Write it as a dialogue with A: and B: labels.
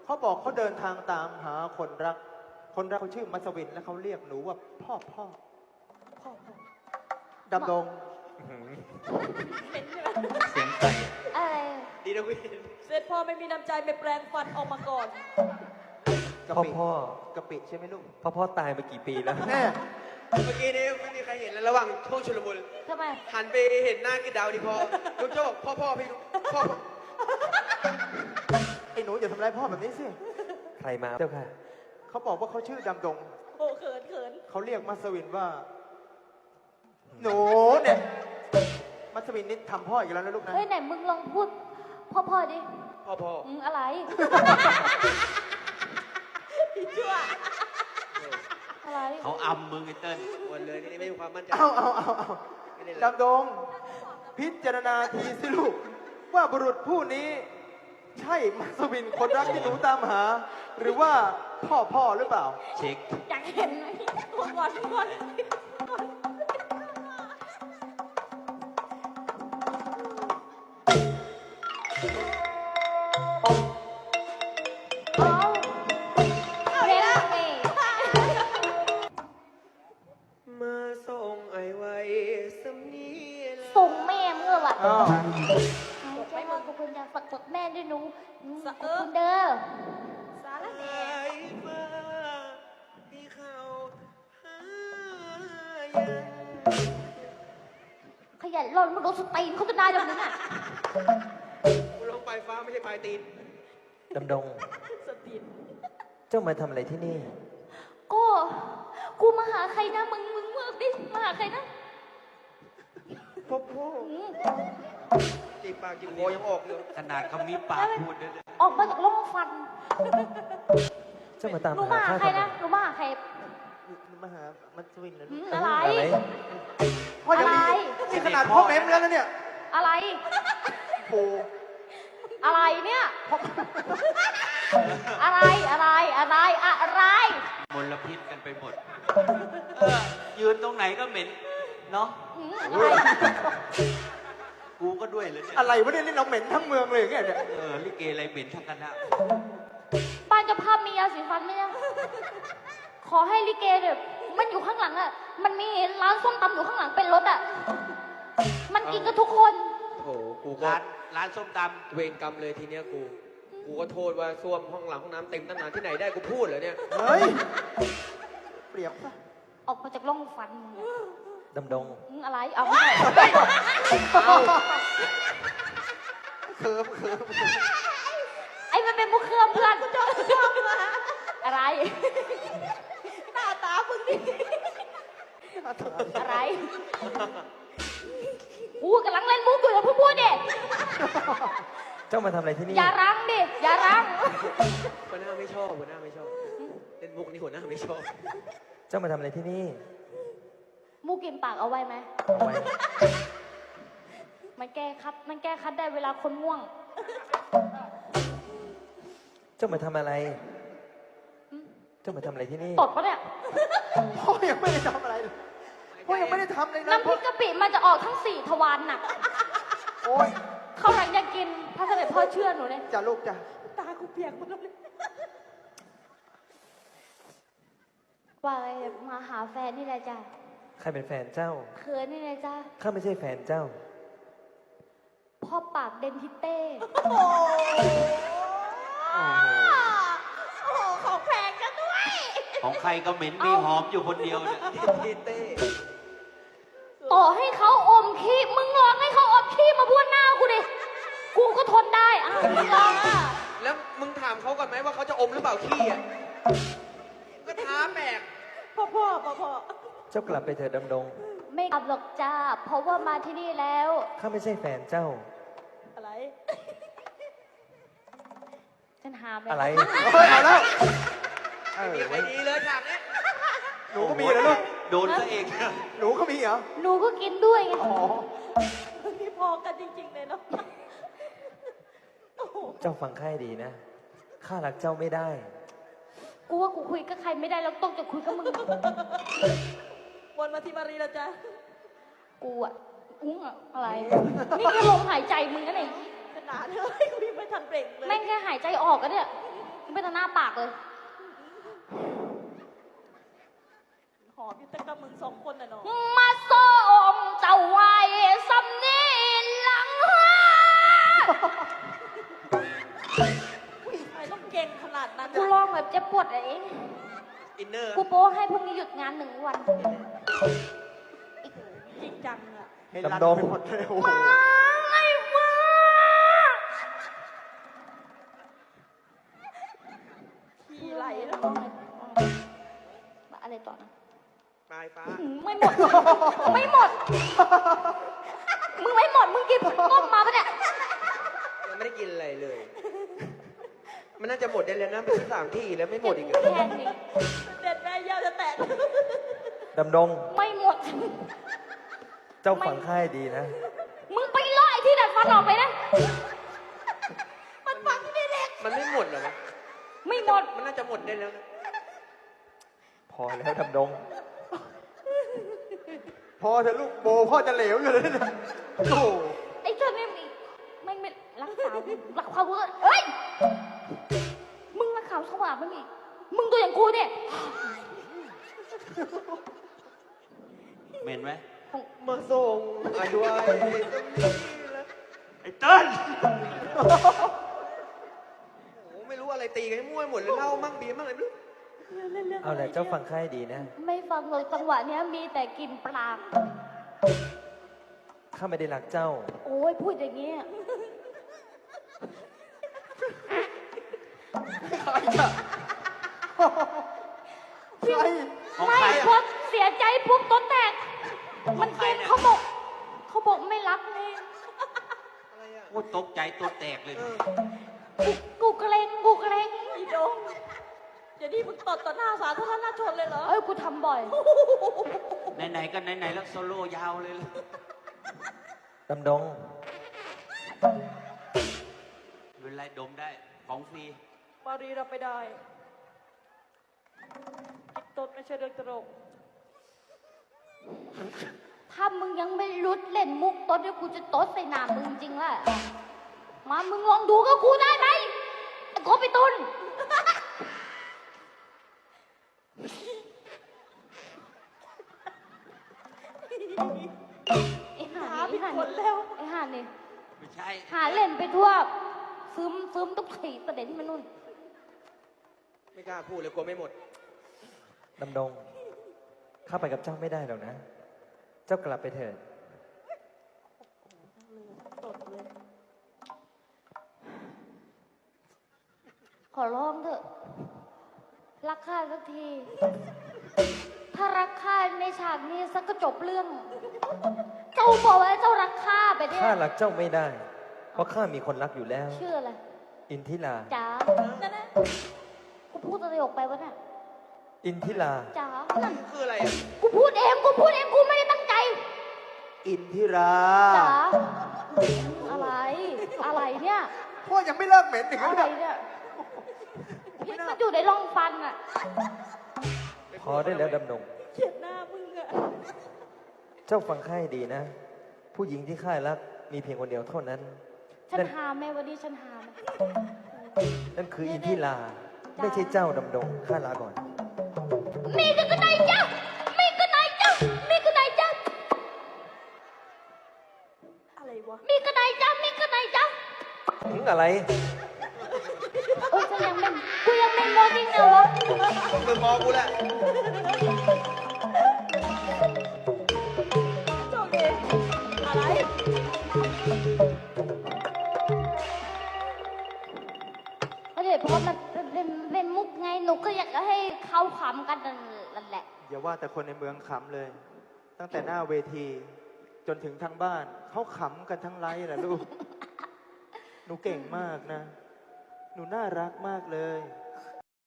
A: เขาบอกเขาเดินทางตามหาคนรัก คนรักเขาชื่อมัสวินและเขาเรียกหนูว่าพ่อดำดง
B: เสียงไก่
C: อะไร
D: ดีนะวิน
E: เสร็จพ่อไม่มีน้ำใจไปแปลงฟันออกมาก่อน
A: กะ
B: พ่อ
A: ปิ
B: พ่อก
A: ะปิใช่ไหมลูก
B: พ่อตายมากี่ปีแล้ว
A: แม่
D: เมื่อกี้นี้ไม่มีใครเห็นแล้วระหว่างช่วงชุลมุน
C: ทำไม
D: หันไปเห็นหน้ากิดดาวดิพอลูกเจ้าบอกพ่อพี่พ่อ
A: ไอ้หนูอย่าทำร้ายพ่อแบบนี้สิ
B: ใครมาเจ้าค่ะ
A: เขาบอกว่าเขาชื่อดำดง
E: โอ้เขิน
A: เขาเรียกมัสวินว่า หนูเนี่ยมัสวินนี่ทำพ่ออีกแล้วนะลูกนะ
C: เฮ้ยไหนมึงลองพูดพ่อดิ
D: พ่อ
C: อะไร
E: พี่ชั่ว
C: อะไร
B: เขาอำมึงไอ้เติ้ล
D: วันเลยนี่ไม่มีความมั่นใจ
A: เอา
D: ไม่ได้เลย
A: ดำดง พิจารณาทีสิลูก ว่าบุรุษผู้นี้ ใช่มัสวินคนรักที่หนูตามหา หรือว่าพ่อหรือเปล่า
B: เช็ค
E: อยากเห็นไหมก่อน
C: เอาเร็วเอง
D: มาส่งไอ้ไว้สำนีแหละ
C: ส่งแม่เมื่อวะ
A: อ้าว
C: ใช่ว่าขอบคุณจะฝักแม่ด้วยหนูขอบคุณเด้อ
E: สารแหน่
D: ไอ้ฟ้าที่เขาหายัง
C: ขยันรอนมันโดนสตีนเขาจะได้แบบนั้นอ่ะ
D: กูลงปลายฟ้าไม่ใช่ปลายตีน
B: ดำดง
E: สติน
B: เจ้ามาทำอะไรที่นี่
C: ก็กูมาหาใครนะมึงเมื่อดิมาหาใครนะ
A: พ่อ
C: อืม
D: จีบปากจีบคอยังออกเลย
B: ขนาดเขามีปากพูดด้วย
C: ออกมาจากร่องฟัน
B: เจ้ามาตาม
C: หนู
B: หา
C: มาหา
B: ข้า
C: ใคร
B: ทำไม
C: นะหนูมาหาใคร
A: มาหามัสวินนะ
C: อื
A: ลูก
C: มอะไร
B: อะไร
A: พ่อยังมี
C: อะไร
A: นี่ขนาดพ่อแม่แล้วนะเนี่ย
C: อะไร
A: โอ้
C: อะไรเนี่ย อะไรอะไร
B: มลพิษกันไปหมด ยืนตรงไหนก็เหม็น เนาะ
C: อืมอะไร
B: กูก็ด้วยเลยเนี่ย
A: อะไรวะเนี่ยนี่เราเหม็นทั้งเมืองเลยอย่างเงี้ยเนี่ย
B: ลิเกอะไรเหม็นทั้งคณะ
C: บ้านเจ้าภาพมียาสีฟันไหมเนี่ยขอให้ลิเกเนี่ยมันอยู่ข้างหลังอ่ะ มันมีร้านส้มตำอยู่ข้างหลังเป็นรถอ่ะ มันกินกันทุกคน
D: โอ้โหกูก็
B: ร้านส้มต
D: เวรกรรมเลยทีเนี้ยกูก็โทษว่าส้วมห้องหลังห้องน้ำเต็มตั้งนานที่ไหนได้กูพูดเหรอเนี่ย
A: เฮ้ย เปรียบปะ
C: ออกมาจากร่องฟันมึงอะ
B: ำดำดง
C: อืมอะไรเอาไม่ได้
A: เคิม
C: ไอ้มันเป็นมุกเครื่องเพื่อนอะไร
E: หน้าตามึงนี่
C: อะไรกูกำลังเล่นมุกอยู่อย่าเพิ่งพูดดิ
B: เจ้ามาทำอะไรที่นี่
C: อย่ารั้งดิอย่ารั้ง
D: หัวหน้าไม่ชอบหัวหน้าไม่ชอบเล่นมุกนี่หัวหน้าไม่ชอบ
B: เจ้ามาทำอะไรที่นี่
C: มูกินปากเอาไว้ไหม
B: เอาไว้
C: มันแก้คัดได้เวลาคนง่วง
B: เจ้ามาทำอะไร เจ้ามาทำอะไรที่นี่
C: ตดปะเนี่ย
A: พ่อยังไม่ได้ทำอะไรเลยพ่อยังไม่ได้ทำเลยนะ
C: น้ำพริกกะปิมันจะออกทั้ง4 ทวารน่ะ
A: โอ้ย
C: เขาหลังจะกินพระเสด็จพ่อเชื่อหนูเลย
A: จ้าลูกจ้ะ
E: ตากูเปียกหมดเลย
C: ว่าไงมาหาแฟนนี่แหละจ้ะ
B: ใครเป็นแฟนเจ้า
C: เขินนี่แหละจ้ะ
B: ข้าไม่ใช่แฟนเจ้า
C: พ่อปากเดนทิเต้
E: โอ้โหของแพงกันด้วย
B: ของใครก็เหม็นมีหอมอยู่คนเดียวเนี่ย
D: ทีเต้
C: ต่อให้เขาอมขี้มึงลองให้เขาอมขี้มาบ้วนหน้ากูดิกูก็ทนได้อ่ะมึงลองอ่ะ
D: แล้วมึงถามเขาก่อนไหมว่าเขาจะอมหรือเปล่าขี้อ่ะก็ท้าแปลก
E: พ่อ
B: เจ้ากลับไปเถิดดำดง
C: ไม่กลับหรอกจ้าเพราะว่ามาที่นี่แล้ว
B: ข้าไม่ใช่แฟนเจ้า
E: อะไร
C: ฉันหามเลย
B: อะไร
A: เฮ้ยเอาแล้ว
D: มีใครดีเลยฉากเนี้ย
A: หนูก็มีเหรอลูก
B: โดนซะเอง
A: หนูก็มีเหรอ
C: หนูก็กินด้วยไง
A: อ๋อ
E: นี่พอกันจริงๆเลยเนาะโอ้โห
B: เจ้าฟังข้าให้ดีนะ ข้ารักเจ้าไม่ได้
C: กูว่ากูคุยกับใครไม่ได้แล้วต้องจะคุยกับมึง
E: วนมาที่มารีแล้วจ้ะ
C: กูอ่ะอุ้งอ่ะอะไร นี่แค่ลมหายใจมึงนะเนี่ย
E: ขนาดเลยกูยังไม่ทันเบรกเลย
C: แม่งแค่หายใจออกกันเนี่ยมึงไปทางหน้าปากเลย
E: หอมอยู่แต่กับมึงสองคนน่ะเนาะ
C: มาส้มเจ้าไว้สำนีหลังหา
E: ทำไมต้องเก่งขนาดนั้น
C: กู
E: อะ
C: ลองแบบเจ็บปวดเอง
D: อินเนอร์
C: กูโป้ให้พรุ่งนี้หยุดงาน1 วัน
E: จริงจังอะ
A: ให้รัน
F: ดำดง
A: ไปหมดเลยโอ้โห
C: ไอ้ฟ้า
E: ขี้ไหลแล้ว
C: อะไรต่อนะ
D: ปลายฟ้า
C: ไม่หมด ไม่หมด มึงไม่หมด มึงกินต้มมาปะเนี่ย
D: ยังไม่ได้กินอะไรเลย มันน่าจะหมดได้แล้วนะไปซื้อ3 ที่แล้วไม่หมดอีกเหรอ
C: แค่นี้
E: เด็ดแม่ยาวจะแตก
F: ดำดง
C: ไม่หมด
F: เจ้าฝังค่ายดีนะ
C: มึงไปล่อไอ้ที่ดัดฟันออกไปนะ
E: มันฟังไม่เล็ก
D: มันไม่หมดเหรอวะ
C: ไม่หมด
D: มันน่าจะหมดได้แล้วนะ
F: พอแล้วดำดง
A: พอเถอะลูกโบพ่อจะเหลวอยู่เลยเนี่ยโอ้โห
C: ไอ้เธอไม่รักษารักความเพื่อนเอ้ย มึงรักเขาสว่างไม่มีมึงตัวอย่างกูเนี่ย
B: เหม็นไหม
D: มาส่งอายุไอ้
B: ไอ้เติ้ล
D: โอ้โหไม่รู้อะไรตีกันให้มั่วหมดเลยเหล้ามั่งเบียร์มั่งอะไรไม่รู้
F: เอาแหละเจ้าฝังค่ายดีนะ
C: ไม่ฟังเลยจังหวะเนี้ยมีแต่กลินปลา
F: ข้าไม่ได้รักเจ้า
C: โอ้ยพูดอย่างเงี้ย
A: ใคร
B: ของ
C: ไม่
B: ใคร
C: พอ
B: อะ
C: เสียใจปุ๊บต้นแตก มันเก่งเขาบอกไม่รักเลย
D: อะไรอ่ะ
B: โอ้ตกใจตัวแตกเลย
D: เออ
C: กูเกรงกูเกรง
E: อีโดงเดี๋ยวนี้มึงตดต่อหน้าสาธารณชนเลยเหรอ
C: เอ้ยกูทำบ่อย
B: ไหนๆก็ไหนๆแล้วโซโล่ยาวเลยล่ะ
F: ดำดง
B: ไม่เป็นไรดมได้ ของฟรี
E: ปารีรับไม่ได้กินตดไม่ใช่เรื่องตลก
C: ถ้ามึงยังไม่รุดเล่นมุกต้นเดี๋ยวกูจะโต๊ดใส่หน้ามึงจริงๆแหละมามึงลองดูกับกูได้ไหมไอ้โกบไปตุนไอ้ห่า
E: หา
C: นี่
E: ผิดคนแล้ว
C: ไอ้ห่านี่
B: ไม่ใช่
C: หาเล่นไปทั่วซึมทุกขีประเด็นมันนู่น
D: ไม่กล้าพูดเลยกลัวไม่หมด
F: ดำดง ข้าไปกับเจ้าไม่ได้หรอกนะ เจ้ากลับไปเถิด
E: ตดเลย
C: ขอร้องเถอะ รักข้าสักที ถ้ารักข้าในฉากนี้สักก็จบเรื่อง เจ้าบอกว่าเจ้ารักข้าไปเนี่ย
F: ข้ารักเจ้าไม่ได้ เพราะข้ามีคนรักอยู่แล้ว
C: ชื่ออะไร
F: อินทิลา
C: จ๋า
E: นั่นนะ
C: กูพูดอะไรออกไปวะเนี่ย
F: อินทิลา
C: จ๋า
D: คืออะไรอ่ะ
C: กูพูดเองกูไม่ได้ตั้งใจ
A: อินทิรา
C: จ๋าอะไรอะไรเนี่ย
A: พ่อยังไม่เลิกเหม็นอีก
C: อะไร
A: เนี่ย
C: เนี่ยพิษมันอยู่ในร่องฟันอะ
F: พอได้แล้วดำดง
E: เกลียดหน้ามึงอะ
F: เจ้าฟังข้าให้ดีนะ ผู้หญิงที่ข้ารักมีเพียงคนเดียวเท่านั้น
C: ฉัน
F: นั่น
C: หาแม่วันนี้ฉันหาไหม
F: นั่นคืออินทิลา ไม่ใช่เจ้าดำดง ข้าลาก่อน
C: มีกันไหนจ๊ะมีกันไหนจ๊ะมีกันไหนจ๊ะ
E: อะไรวะ
C: มีกันไหนจ๊ะมีกันไหนจ๊ะ
F: ถึงอะไร
C: เออฉันยังไม่กูยังไม่มอดิ้งนะวะ
D: มึงมองกูแหละ
E: โชคดีอะไร
C: ก็เดี๋ยวเพราะมันเป็นมุกไงหนูก็อยากจะให้เขาขำกันนั่นแหละ
A: อย่าว่าแต่คนในเมืองขำเลย ตั้งแต่หน้าเวที จนถึงทางบ้านเขาขำกันทั้งไลฟ์แหละลูก หนูเก่งมากนะ หนูน่ารักมากเลย